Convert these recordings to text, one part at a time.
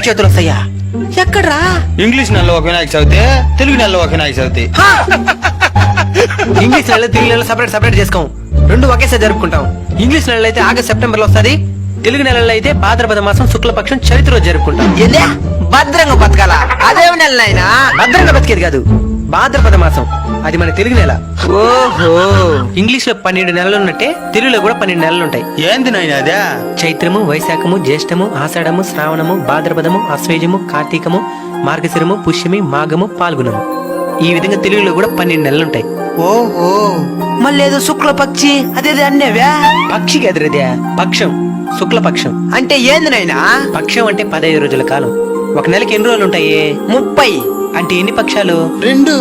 వినాయక చవితులు వస్తాయా? ఎక్కడ్రా? ఇంగ్లీష్ నెలలో ఒక వినాయక చవితి, తెలుగు నెలలో ఒక వినాయక చవితి. ఇంగ్లీష్ నెలలో తెలుగు నెలలో సపరేట్ చేసుకోం, రెండు ఒకేసారి జరుపుకుంటాం. ఇంగ్లీష్ నెలలో అయితే ఆగస్ట్ సెప్టెంబర్ లో వస్తుంది, తెలుగు నెలలో అయితే భాద్రపద మాసం శుక్లపక్షం చవితి రోజు జరుపుకుంటాం. భద్రంగా బతకాల అదేమి నెల అయినా? భద్రంగా బతికేది కాదు, భాద్రపద మాసం అది మన తెలుగు నెల. ఓహో, ఇంగ్లీష్ లో 12 నెలలు ఉన్నట్టే తెలుగులో కూడా 12 నెలలు ఉంటాయి. ఏంది నాయనా అదే? చైత్రము, వైశాఖము, జ్యేష్ఠము, ఆషాఢము, శ్రావణము, భాద్రపదము, అశ్వేజము, కార్తీకము, మార్గశిరము, పుష్యమి, మాఘము, పాల్గొనము. ఈ విధంగా తెలుగులో కూడా 12 నెలలు ఉంటాయి. ఓహో, మళ్ళీ ఏదో శుక్లపక్షి అదేది అన్నేవా? పక్షికి ఎదురదే పక్షం, శుక్లపక్షం. అంటే ఏంది నాయనా? పక్షం అంటే 15 రోజుల కాలం. ఒక నెలకి ఎన్ని రోజులు ఉంటాయి? 30. అంటే ఎన్ని పక్షాలు? 2.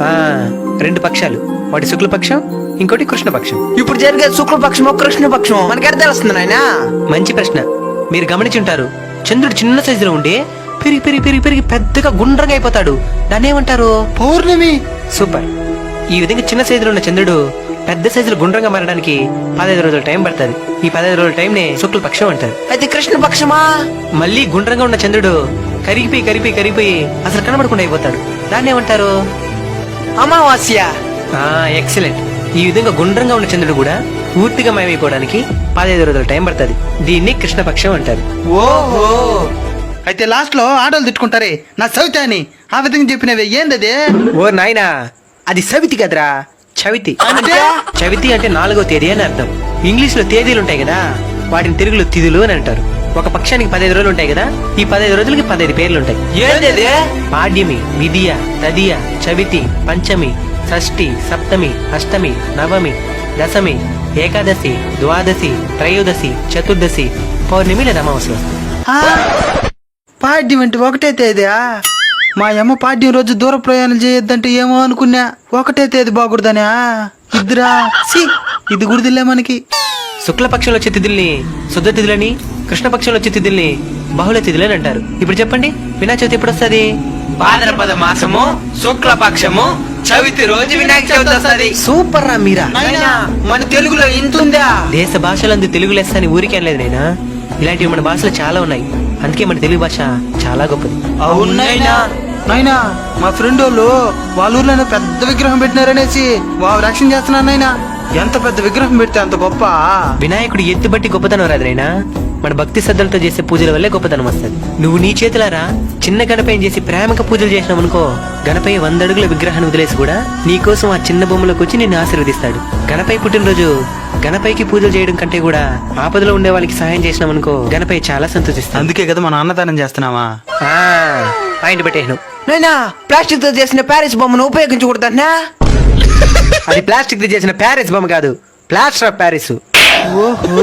2 పక్షాలు. ఒకటి శుక్లపక్షం, ఇంకోటి కృష్ణపక్షం. ఇప్పుడు జరిగే శుక్లపక్షమో కృష్ణపక్షమో మనకి ఎక్కడ తెలుస్తుంది నాయనా? మంచి ప్రశ్న. మీరు గమనించుంటారు, చంద్రుడు చిన్న సైజులో ఉండి పెరిగి పెరిగి పెరిగి పెరిగి పెద్దగా గుండ్రంగా అయిపోతాడు. దాన్ని ఏమంటారు? పౌర్ణమి. సూపర్. ఈ విధంగా చిన్న సైజులో ఉన్న చంద్రుడు పెద్ద సైజులో గుండ్రంగా మారడానికి 15 రోజుల టైం పడుతుంది. ఈ 15 రోజుల టైం నే శుక్లపక్షం అంటారు. అయితే కృష్ణపక్షమా? మళ్ళీ గుండ్రంగా ఉన్న చంద్రుడు కరిగిపోయి అసలు కనబడకుండా అయిపోతాడు. దాన్ని ఏమంటారు? అమావాస్య. ఎక్సలెంట్. ఈ విధంగా గుండ్రంగా ఉన్న చంద్రుడు కూడా పూర్తిగా మాయమైపోవడానికి 15 రోజుల టైం పడుతుంది. దీన్ని కృష్ణపక్షం అంటారు. ఓహో, అయితే లాస్ట్ లో ఆడోళ్ళు తిట్టుకుంటారే నా చవితి అని, ఆ విధంగా చెప్పినవే ఏందది? ఓ నాయనా, అది సవితి కదరా, చవితి. అంటే? చవితి అంటే 4వ తేదీ అని అర్థం. ఇంగ్లీష్ లో తేదీలు ఉంటాయి కదా, వాటిని తెలుగులో తిథులు అని అంటారు. ఒక పక్షానికి 15 రోజులు ఉంటాయి కదా, ఈ 15 రోజులకి 15 పేర్లు ఉంటాయి. ఏంది? పాడ్యమి, విధియ, తదియ, చవితి, పంచమి, షష్ఠి, సప్తమి, అష్టమి, నవమి, దశమి, ఏకాదశి, ద్వాదశి, త్రయోదశి, చతుర్దశి, పౌర్ణమి లేదా అమావాస్య. పాడ్యం అంటే ఒకటే తేదీయా? మా అమ్మ పాడ్యం రోజు దూర ప్రయాణం చేయొద్దంటే ఏమో అనుకున్నా, ఒకటే తేదీ బాగుడదనా? ఇద్దరా ఇది గుడిదిలే మనకి. శుక్లపక్షంలో వచ్చే తిథుల్ని శుద్ధ తిథులని, కృష్ణపక్షంలో వచ్చే తిథుల్ని బహుళ తిథులని అంటారు. ఇప్పుడు చెప్పండి, వినాయక చవితి ఎప్పుడు వస్తుంది? భాద్రపద మాసము శుక్లపక్షము చవితి రోజు వినాయక చవితి వస్తుంది. సూపర్ రా మీరా. మన తెలుగులో ఇంతుందా? దేశ భాషలందు తెలుగు లెస్స అని ఊరికే అనలేదు నైనా, ఇలాంటివి మన భాషలో చాలా ఉన్నాయి. అందుకే మన తెలుగు భాష చాలా గొప్పది. అవునైనా నాయనా, మా ఫ్రెండ్ వాళ్ళు వాళ్ళ ఊర్లో పెద్ద విగ్రహం పెట్టినారనేసి వారు రక్షణ చేస్తున్నారు నాయనా. ఎంత పెద్ద విగ్రహం పెడితే అంత గొప్ప. వినాయకుడు ఎత్తు బట్టి గొప్పతనం రాదు నైనా, మన భక్తి శ్రద్ధలతో చేసే పూజల వల్లే గొప్పతనం వస్తుంది. నువ్వు నీ చేతులారా చిన్న గణపయ్యని చేసి ప్రేమగా పూజలు చేసినావు అనుకో, గణపయ్య 100 అడుగుల విగ్రహాన్ని వదిలేసి కూడా నీకోసం ఆ చిన్న బొమ్మలోకి వచ్చి నిన్ను ఆశీర్వదిస్తాడు. గణపయ్య పుట్టినరోజు గణపయ్యకి పూజలు చేయడం కంటే కూడా ఆపదలో ఉండే వాళ్ళకి సహాయం చేసినాం అనుకో, గణపయ్య చాలా సంతోషిస్తాడు. అందుకే కదా మన అన్నదానం చేస్తున్నావా? పాయింట్ పెట్టేను. నైనా, ప్లాస్టిక్ తో చేసిన ప్యారిస్ బొమ్మను ఉపయోగించకూడదన్నా? అది ప్లాస్టిక్ తో చేసిన ప్యారిస్ బొమ్మ కాదు, ప్లాస్టర్ ఆఫ్ ప్యారిస్. ఓహో,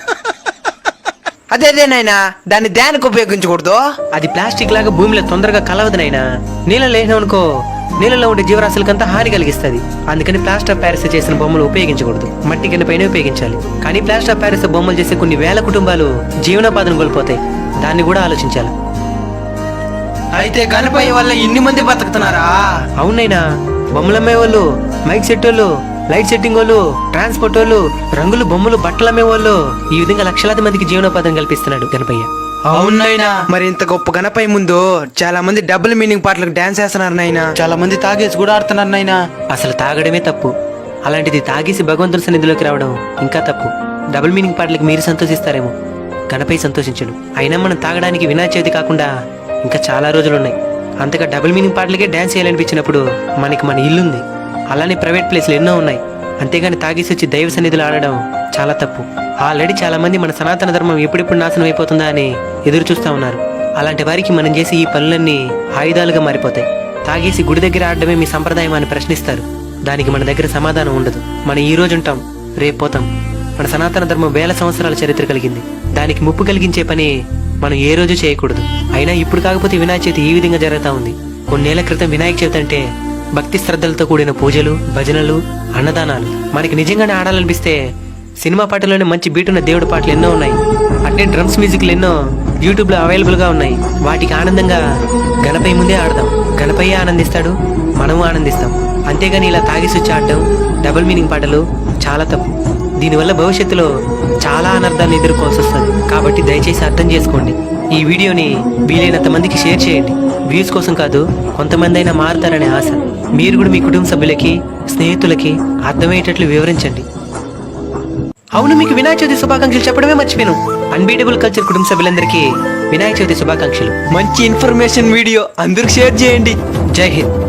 అదేదేనైనా దాన్ని దేనికి ఉపయోగించకూడదు? అది ప్లాస్టిక్ లాగా భూమిలో తొందరగా కలవదు నైనా. నీళ్ళలో వేసినామనుకో, నీళ్ళలో ఉండే జీవరాశులకంతా హాని కలిగిస్తుంది. అందుకని ప్లాస్టర్ ఆఫ్ ప్యారిస్ చేసిన బొమ్మలు ఉపయోగించకూడదు, మట్టి కింద పైన ఉపయోగించాలి. కానీ ప్లాస్టర్ ఆఫ్ ప్యారిస్ బొమ్మలు చేసే కొన్ని వేల కుటుంబాలు జీవనోపాధిని కోల్పోతాయి. దాన్ని కూడా ఆలోచించాలి. అయితే గణపయ్య వల్ల ఇన్ని మంది బతుకుతున్నారా? అవునైనా, బొమ్మలు అమ్మే వాళ్ళు, మైక్ సెట్ వాళ్ళు, లైట్ సెట్టింగ్ వాళ్ళు, ట్రాన్స్పోర్ట్ వాళ్ళు, రంగులు బొమ్మలు బట్టలు అమ్మే వాళ్ళు, ఈ విధంగా లక్షలాది మందికి జీవనోపాధిని కల్పిస్తున్నాడు గణపయ్య. అవునైనా, మరి ఇంత గొప్ప గణపయ్య ముందు చాలా మంది డబుల్ మీనింగ్ పాటలకు డాన్స్ చేస్తున్నారు నాయనా. చాలా మంది తాగేసి కూడా ఆడుతున్నారు నాయనా. అసలు తాగడమే తప్పు, అలాంటిది తాగేసి భగవంతుని సన్నిధిలోకి రావడం ఇంకా తప్పు. డబుల్ మీనింగ్ పాటలకు మీరు సంతోషిస్తారేమో, గణపయ్య సంతోషించడు. అయినా మనం తాగడానికి వినాయక చవితి కాకుండా ఇంకా చాలా రోజులున్నాయి. అంతగా డబుల్ మీనింగ్ పాటలకే డాన్స్ చేయాలనిపించినప్పుడు మనకి మన ఇల్లుంది, అలానే ప్రైవేట్ ప్లేస్లు ఎన్నో ఉన్నాయి. అంతేగాని తాగేసి వచ్చి దైవ సన్నిధిలో ఆడడం చాలా తప్పు. ఆల్రెడీ చాలా మంది మన సనాతన ధర్మం ఎప్పుడెప్పుడు నాశనం అయిపోతుందా అని ఎదురు చూస్తా ఉన్నారు. అలాంటి వారికి మనం చేసే ఈ పనులన్నీ ఆయుధాలుగా మారిపోతాయి. తాగేసి గుడి దగ్గర ఆడడమే మీ సంప్రదాయం అని ప్రశ్నిస్తారు. దానికి మన దగ్గర సమాధానం ఉండదు. మనం ఈ రోజు ఉంటాం, రేపు పోతాం. మన సనాతన ధర్మం 1000 సంవత్సరాల చరిత్ర కలిగింది. దానికి ముప్పు కలిగించే పని మనం ఏ రోజు చేయకూడదు. అయినా ఇప్పుడు కాకపోతే వినాయక చవితి ఈ విధంగా జరుగుతా ఉంది. కొన్నేళ్ల క్రితం వినాయక చవితి అంటే భక్తి శ్రద్ధలతో కూడిన పూజలు, భజనలు, అన్నదానాలు. మనకి నిజంగానే ఆడాలనిపిస్తే సినిమా పాటలోనే మంచి బీటున్న దేవుడి పాటలు ఎన్నో ఉన్నాయి. అంటే డ్రమ్స్ మ్యూజిక్లు ఎన్నో యూట్యూబ్ లో అవైలబుల్ గా ఉన్నాయి. వాటికి ఆనందంగా గణపయ్య ముందే ఆడదాం. గణపయ్య ఆనందిస్తాడు, మనము ఆనందిస్తాం. అంతేగాని ఇలా తాగేసి వచ్చి ఆడడం, డబుల్ మీనింగ్ పాటలు చాలా తప్పు. దీనివల్ల భవిష్యత్తులో చాలా అనర్థాన్ని ఎదుర్కోవాల్సి వస్తుంది. కాబట్టి దయచేసి అర్థం చేసుకోండి. ఈ వీడియోని వీలైనంత మందికి షేర్ చేయండి. వ్యూస్ కోసం కాదు, కొంతమంది అయినా మారుతారనే ఆశ. మీరు కూడా మీ కుటుంబ సభ్యులకి, స్నేహితులకి అర్థమయ్యేటట్లు వివరించండి. అవును, మీకు వినాయక చవితి శుభాకాంక్షలు చెప్పడమే మర్చిపోయాను. అన్బీటబుల్ కల్చర్ కుటుంబ సభ్యులందరికీ వినాయక చవితి శుభాకాంక్షలు. మంచి ఇన్ఫర్మేషన్ వీడియో అందరికి షేర్ చేయండి. జై హింద్.